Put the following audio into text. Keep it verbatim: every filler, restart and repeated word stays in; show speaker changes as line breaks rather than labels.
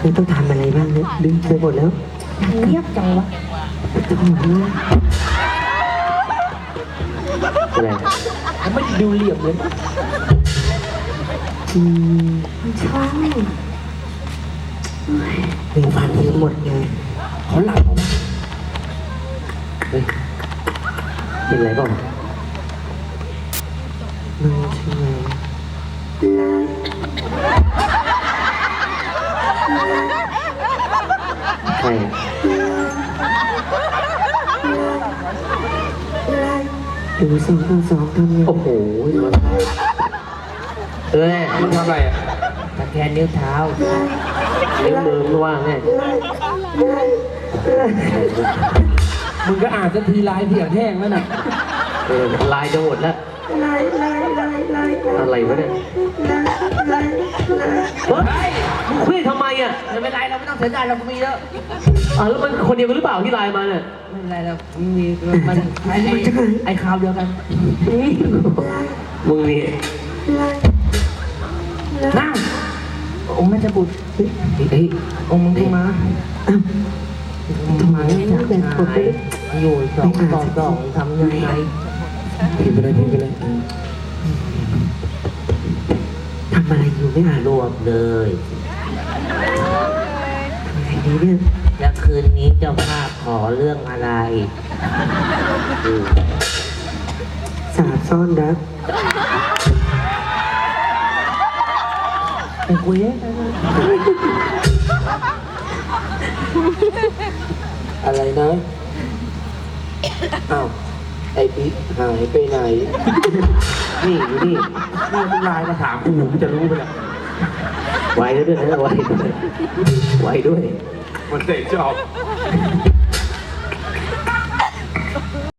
คือต้องทำอะไรบ้างเนี่ยดึงไปหมดแล้ว
เงียบจังวะ
จะหมดแล้วอะไร
มันไม่ดูเหลี่ยมเลย
อืม
ใช่
เป็นฟันทิ้งหมดไง
เขาหลับเอาวะ
เฮ้ยเป็นไรบ้างมันชื่อใครดูสองต่อสองทำยังโอ้โหเอ้ย
มันทำอะไรอ่ะ
ตะแกนนิ้วเท้า
นิ้วมือไม่ว่างไง
มึงก็อ่านสักทีลายเพียงแห้งแล้วน่ะ
เออลายจะหมดแล้วอะไรวะเนี่ยเฮ้ยมึงคุยทำไมอ่ะ
ไม่เป็นไรเราไม่ต้องเสียใจเราก็มีเยอะ
อ่าแล้วมันคนเดียวกันหรือเปล่าที่ไลน์มาเนี่ย
ไม่เป็นไรเรามีมันไอ้ไอ้คราวเดียวกัน
มึงนี่
นั่งองค์แม่จะบุตร
เฮ้ย
องค์มึงมาทำไมจากชายอยู่สองต่อสองทำยังไง
พิมพ์ไปเลยพิมพ์ไปเลยทำอะไรอยู่ไม่อ่าน
รวบเลย
อะไรนี้เนี่ย
แล้วคืนนี้เจ้าภาพขอเรื่องอะไร
สาบซ่อนรัก
ไปคุยให้กัน
อะไรนะ อ้าว ไอ้ปิ๊กหายไปไหน
นี่อยู่นี่
นี่มึงไลน์มาถามกูมึงจะรู้ไปแล้ว
ไวด้วยนะไวด้วยไวด้วย
มันเตะจอบ